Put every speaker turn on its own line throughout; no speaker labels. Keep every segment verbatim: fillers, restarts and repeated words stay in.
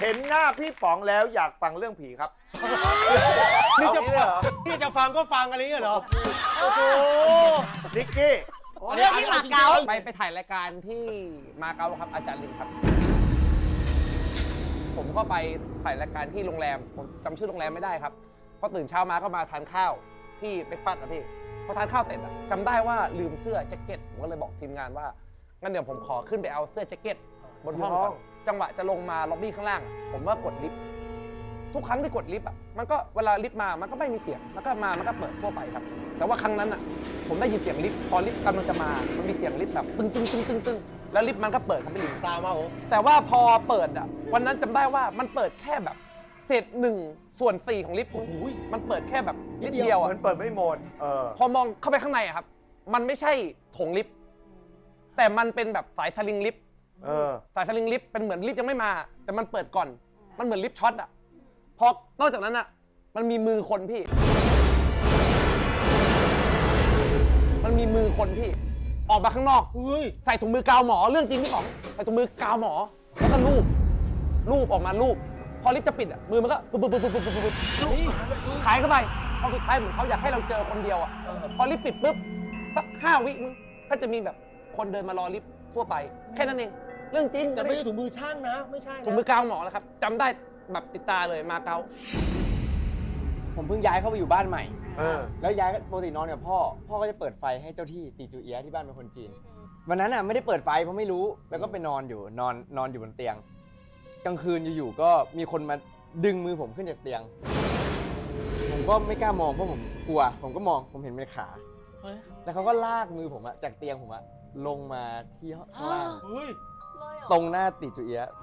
เห็นหน้าพี่ป๋องแล้วอยากฟังเรื่องผีครับ
นี่จะนี่จะฟังก็ฟังอะไรเงี้ยเหรอ
โอ้โหนิกกี้
เรื่องที่มาเก๊า
ไปไปถ่ายรายการที่มาเก๊าครับอาจารย์ลินครับ ผมก็ไปถ่ายรายการที่โรงแรมผมจำชื่อโรงแรมไม่ได้ครับพอตื่นเช้ามาก็มาทานข้าวที่เบรกฟาสต์นะพี่พอทานข้าวเสร็จอะจำได้ว่าลืมเสื้อแจ็คเก็ตผมก็เลยบอกทีมงานว่างั้นเดี๋ยวผมขอขึ้นไปเอาเสื้อแจ็คเก็ตบนห้องก่อนจังหวะจะลงมาล็อบบี้ข้างล่างอะผมว่ากดลิฟต์ทุกครั้งที่กดลิฟต์อะมันก็เวลาลิฟต์มามันก็ไม่มีเสียงมันก็มามันก็เปิดทั่วไปครับแต่ว่าครั้งนั้นอะผมได้ยินเสียงลิฟต์พอลิฟต์กำลังจะมามันมีเสียงลิฟต์แบบตึ้งตึ้งตึ้งตึ้งตึ้งแล้วลิฟต์มันก็เปิดครับพี่ลิง
ซามาโอ้
แต่ว่าพอเปิดอ่ะวันนั้นจำได้ว่ามันเปิดแค่แบบเศษหนึ่งส่วนสี่ของลิฟต์มันเปิดแค่แบบนิดเดียว
เห
อ่ะ
มือนเปิดไม่หมดเออ
พอมองเข้าไปข้างในอ่ะครับมันไม่ใช่โถงลิฟต์แต่มันเป็นแบบสายสลิงลิฟต์
เออ
สายสลิงลิฟต์เป็นเหมือนลิฟต์ยังไม่มา แต่มันเปิดก่อนมันเหมือนลิฟต์ช็อตอ่ะพอนอกจากนั้นอ่ะมันมีมือคนพี่ มันมีมือคนพี่ออกมาข้างนอกใส่ถุงมือกาวหมอเรื่องจริงพี่ป๋องใส่ถุงมือกาวหมอแล้วก็ลูบลูบออกมาลูบพอลิฟต์จะปิดอ่ะมือมันก็ปุ๊บปุ๊บปุ๊บปุ๊บปุ๊บปุ๊บหายเข้าไปพอสุดท้ายเหมือนเขาอยากให้เราเจอคนเดียวอ่ะพอลิฟต์ปิดปุ๊บสักห้าวิมึงก็จะมีแบบคนเดินมารอลิฟต์ทั่วไปแค่นั้นเองเรื่องจริง
แต่ไม่ใช่ถุงมือช่างนะไม่ใช่นะ
ถุงมือกาวหมอแล้วครับจำได้แบบติดตาเลยมาเก๊า
ผมเพิ่งย้ายเข้าไปอยู่บ้านใหม่
เออ
แล้วย้ายปกตินอนกับพ่อ พ่อก็จะเปิดไฟให้เจ้าที่ตีจูเอียะที่บ้านเป็นคนจีน วันนั้นอ่ะไม่ได้เปิดไฟเพราะไม่รู้ แล้วก็ไปนอนอยู่นอนนอนอยู่บนเตียง กลางคืนอยู่ๆก็มีคนมาดึงมือผมขึ้นจากเตียง ผมก็ไม่กล้ามองเพราะผมกลัว ผมก็มองผมเห็นเป็นขา แล้วเขาก็ลากมือผมอะจากเตียงผมอะลงมาที่ข้างล่าง
เฮ้ย
ตรงหน้าติจูเอียะ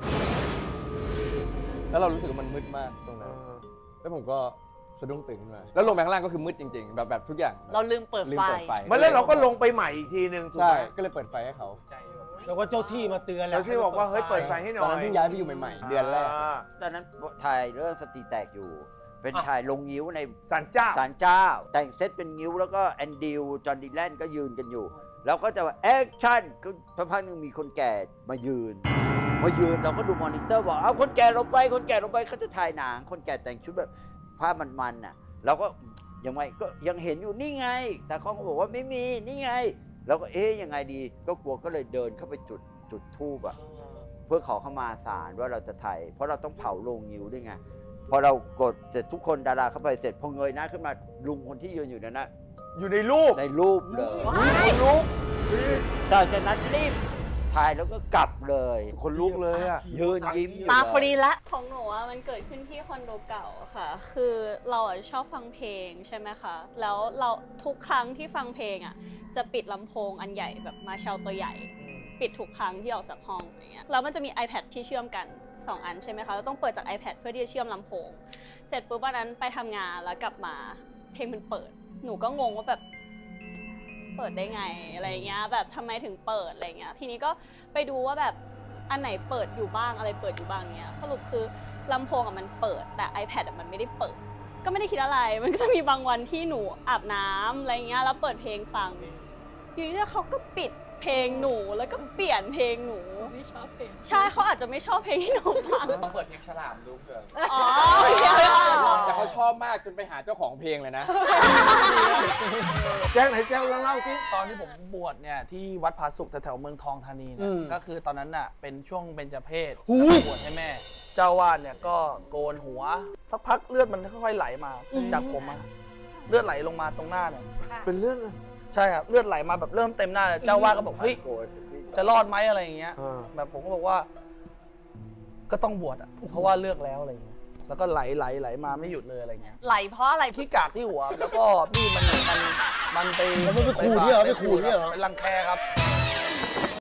แล้วเรารู้สึกว่ามันมืดมากตรงนั้น แล้วผมก็สะดุ้งตื่นขึ้นมา แล้วลงไปข้างล่างก็คือมืดจริงๆ แบบแบบทุกอย่าง
เราลืมเปิด
ลืม
ไฟ
เปิดไฟ
มันแล้วเราก็ลงไปใหม่อีกทีหนึ่งถูก
ใช่
ไหม
ก็เลยเปิดไฟให้เขา
แล้วก็เจ้าที่มาเตือนแล้
แล้ว วที่บอกว่าเฮ้ยเปิดไฟให้หน่
ต
อ
อนนั้น
ย
เพิ่งย้ายไปอยู่ใหม่ๆ เดือนแรก
า
ตอนนั้นถ่ายเรื่องสติแตกอยู่ เป็นถ่ายลงงิ้วใน
ศาลเจ้า
ศาลเจ้า แต่งเซตเป็นงิ้วแล้วก็แอนดิวจอห์นดีแลนก็ยืนกันอยู่ แล้วก็จะว่าแอคชั่นก็สักพักหนึงมีคนแก่มายืน มายืนเราก็ดูมอนิเตอร์บอกเอาคนแก่ลงไปคนแก่ลงไปเขาจะถ่ายหนังคนแก่แต่งชุดแบบผ้ามันๆน่ะเราก็ยังไงก็ยังเห็นอยู่นี่ไง แต่เขาก็บอกว่าไม่มีนี่ไงเราก็เอ๊ยยังไงดีก็กลัวก็เลยเดินเข้าไปจุดจุดธูปอะ เพื่อขอเข้ามาศาลว่าเราจะถ่ายเพราะเราต้องเผาโรงงิ้วด้วยไงพอเรากดเสร็จทุกคนดาราเข้าไปเสร็จพอเงยหน้าขึ้นมาลุงคนที่ยืนอยู่นั้นนะ
อยู่ในรูป
ในรูปเลย
คนลุก
จากนั้นรีบถ่ายแล้วก็กลับเลย
คนลุกเลยอ่ะ
ยืนยิ้มอยู่
ตาฟรี
เลย
ละ
ของหนูอะมันเกิดขึ้นที่คอนโดเก่าค่ะ คือเราอะชอบฟังเพลงใช่ไหมคะ แล้วเราทุกครั้งที่ฟังเพลงอะจะปิดลำโพงอันใหญ่แบบมาเชลตัวใหญ่ ปิดทุกครั้งที่ออกจากห้องอย่างเงี้ยแล้วมันจะมี iPad ที่เชื่อมกันสองอันใช่ไหมคะเราต้องเปิดจาก iPad เพื่อที่จะเชื่อมลำโพง เสร็จปุ๊บวันนั้นไปทำงานแล้วกลับมาเพลงมันเปิด หนูก็งงว่าแบบเปิดได้ไงอะไรเงี้ยแบบทำไมถึงเปิดอะไรเงี้ยทีนี้ก็ไปดูว่าแบบอันไหนเปิดอยู่บ้างอะไรเปิดอยู่บ้างเงี้ยสรุปคือลำโพงอะมันเปิดแต่ iPad อะมันไม่ได้เปิด ก็ไม่ได้คิดอะไรมันก็จะมีบางวันที่หนูอาบน้ำอะไรเงี้ยแล้วเปิดเพลงฟังอยู่ดีๆเขาก็ปิดเพลงหนูแล้วก็เปลี่ยนเพลงหนูไม่ชอบเพลงใช่เขาอาจจะไม่ชอบเพลงที่หนูฟัง
เปิดเพลงฉลามดูเผื่อ
อ๋อ
แต่เขาชอบมากจนไปหาเจ้าของเพลงเลยนะ
แจ้งไหนแจ้งเล่าสิ
ตอนที่ผมบวชเนี่ยที่วัดผาสุกแถวๆเมืองทองธานีเนี่ยก็คือตอนนั้นน่ะเป็นช่วงเบญจเพสบวชให้แม่ เจ้าวาดเนี่ยก็โกนหัวสักพักเลือดมันค่อยๆไหลมาจากผมอะเลือดไหลลงมาตรงหน้าเนี่ย
เป็นเรื่อง
ใช่ครับเลือดไหลมาแบบเริ่มเต็มหน้าเลยเจ้าวาดก็บอกเฮ้ยจะรอดไหมอะไรอย่างเงี้ย
เออ
แบบผมก็บอกว่า ก็ต้องบวชอะเพราะว่าเลือกแล้วอะไรอย่างเงี้ยแล้วก็ไหลไหลไหลมาไม่หยุดเลยอะไรเงี้ย
ไหลเพราะอะไร
ที่กากที่หัวแล้วก็นี่มันมันมันไป
แล้วมันไปขูดเนี่ยเหรอไปขูดเนี่ยเหรอ
เป็นรังแคครับ